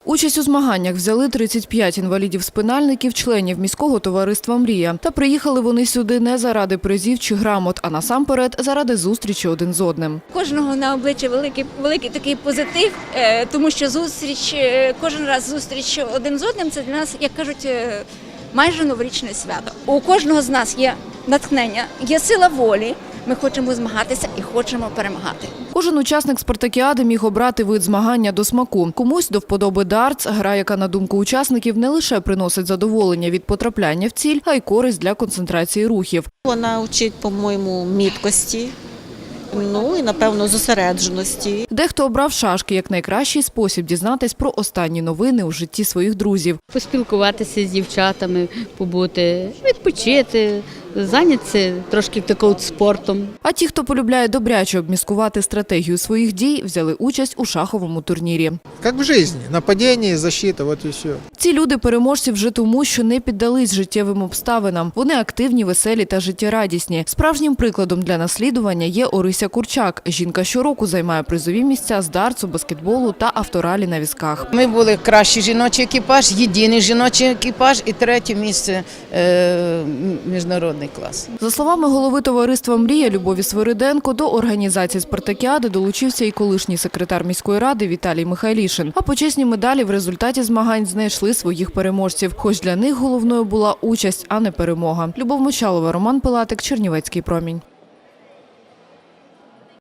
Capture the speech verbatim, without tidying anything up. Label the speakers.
Speaker 1: Участь у змаганнях взяли тридцять п'ять інвалідів-спинальників, членів міського товариства «Мрія». Та приїхали вони сюди не заради призів чи грамот, а насамперед заради зустрічі один з одним.
Speaker 2: Кожного на обличчі великий, великий такий позитив, тому що зустріч, кожен раз зустріч один з одним – це для нас, як кажуть, майже новорічне свято. У кожного з нас є натхнення, є сила волі. Ми хочемо змагатися і хочемо перемагати.
Speaker 1: Кожен учасник спартакіади міг обрати вид змагання до смаку. Комусь до вподоби дартс, гра, яка, на думку учасників, не лише приносить задоволення від потрапляння в ціль, а й користь для концентрації рухів.
Speaker 3: Вона вчить, по-моєму, міткості, ну і, напевно, зосередженості.
Speaker 1: Дехто обрав шашки як найкращий спосіб дізнатись про останні новини у житті своїх друзів.
Speaker 4: Поспілкуватися з дівчатами, побути, відпочити, зайнятися трошки таким спортом.
Speaker 1: А ті, хто полюбляє добряче обміскувати стратегію своїх дій, взяли участь у шаховому турнірі.
Speaker 5: Як в житті, нападіння, защита, от і все.
Speaker 1: Ці люди переможці вже тому, що не піддались життєвим обставинам. Вони активні, веселі та життєрадісні. Справжнім прикладом для наслідування є Орися Курчак. Жінка щороку займає призові місця з дартсу, баскетболу та авторалі на візках.
Speaker 6: Ми були кращий жіночий екіпаж, єдиний жіночий екіпаж і третє місце е, міжнародний клас.
Speaker 1: За словами голови товариства «Мрія» Любові Свириденко, до організації спартакіади долучився і колишній секретар міської ради Віталій Михайлішин. А почесні медалі в результаті змагань знайшли своїх переможців. Хоч для них головною була участь, а не перемога. Любов Мочалова, Роман Пилатик, Чернівецький промінь.